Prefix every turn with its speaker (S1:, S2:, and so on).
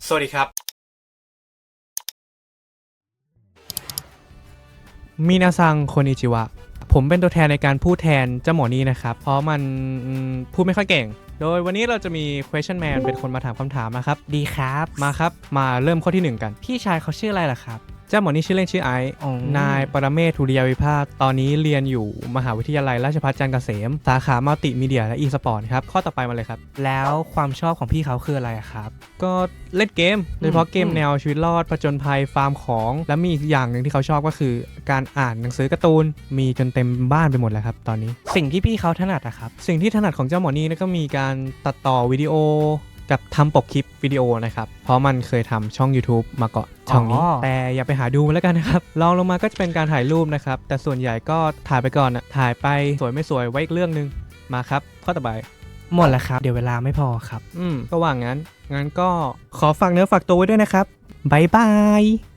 S1: สวัสดีครับ
S2: มินาซังโคนิจิวะผมเป็นตัวแทนในการพูดแทนเจ้าหมอนี้นะครับเพราะมันพูดไม่ค่อยเก่งโดยวันนี้เราจะมี question man เป็นคนมาถามคำถามนะครับดีครับมาครับมาเริ่มข้อที่1กันพี่ชายเขาชื่ออะไรล่ะครับเจ้าหมอนี้ชื่อเล่นชื่อไอซ์นายปรเมศ ธุริยวิภาคตอนนี้เรียนอยู่มหาวิทยาลัยราชภัฏจันทร์เกษมสาขามัลติมีเดียและอีสปอร์ตครับข้อต่อไปมาเลยครับแล้วความชอบของพี่เขาคืออะไรครับก็เล่นเกมโดยเฉพาะเกมแนวชีวิตรอดผจญภัยฟาร์มของและมีอีกอย่างหนึ่งที่เขาชอบก็คือการอ่านหนังสือการ์ตูนมีจนเต็มบ้านไปหมดแล้วครับตอนนี้สิ่งที่พี่เขาถนัดอะครับสิ่งที่ถนัดของเจ้าหมอนี่ก็มีการตัดต่อวิดีโอกับทำปกคลิปวิดีโอนะครับเพราะมันเคยทำช่อง YouTube มาก่อนช่องนี้แต่อย่าไปหาดูมันแล้วกันนะครับลองลงมาก็จะเป็นการถ่ายรูปนะครับแต่ส่วนใหญ่ก็ถ่ายไปก่อนนะถ่ายไปสวยไม่สวยไว้อีกเรื่องนึงมาครับข้อต่อไปหมดแล้วครับเดี๋ยวเวลาไม่พอครับก็ว่างั้นก็ขอฝากเนื้อฝากตัวไว้ด้วยนะครับบ๊ายบาย